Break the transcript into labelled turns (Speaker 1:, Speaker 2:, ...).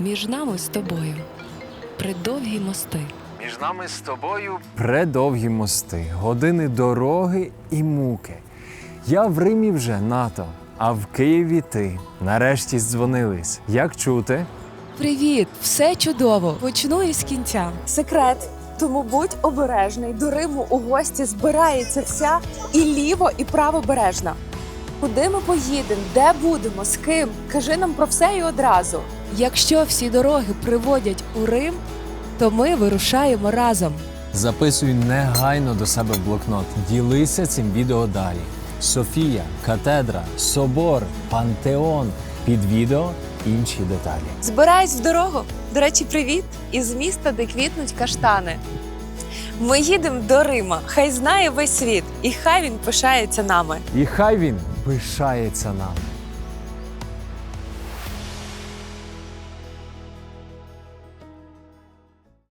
Speaker 1: Між нами з тобою придовгі мости.
Speaker 2: Між нами з тобою предовгі мости, години дороги і муки. Я в Римі вже НАТО, а в Києві ти. Нарешті здзвонились. Як чути?
Speaker 1: Привіт! Все чудово! Почну із кінця.
Speaker 3: Секрет. Тому будь обережний. До Риму у гості збирається вся і ліво, і правобережна. Куди ми поїдемо? Де будемо? З ким? Кажи нам про все і одразу.
Speaker 1: Якщо всі дороги приводять у Рим, то ми вирушаємо разом.
Speaker 2: Записуй негайно до себе в блокнот. Ділися цим відео далі. Софія, катедра, собор, пантеон. Під відео інші деталі.
Speaker 3: Збираюсь в дорогу. До речі, привіт! Із міста, де квітнуть каштани. Ми їдемо до Рима. Хай знає весь світ, і хай він пишається нами.
Speaker 2: І хай він пишається нами.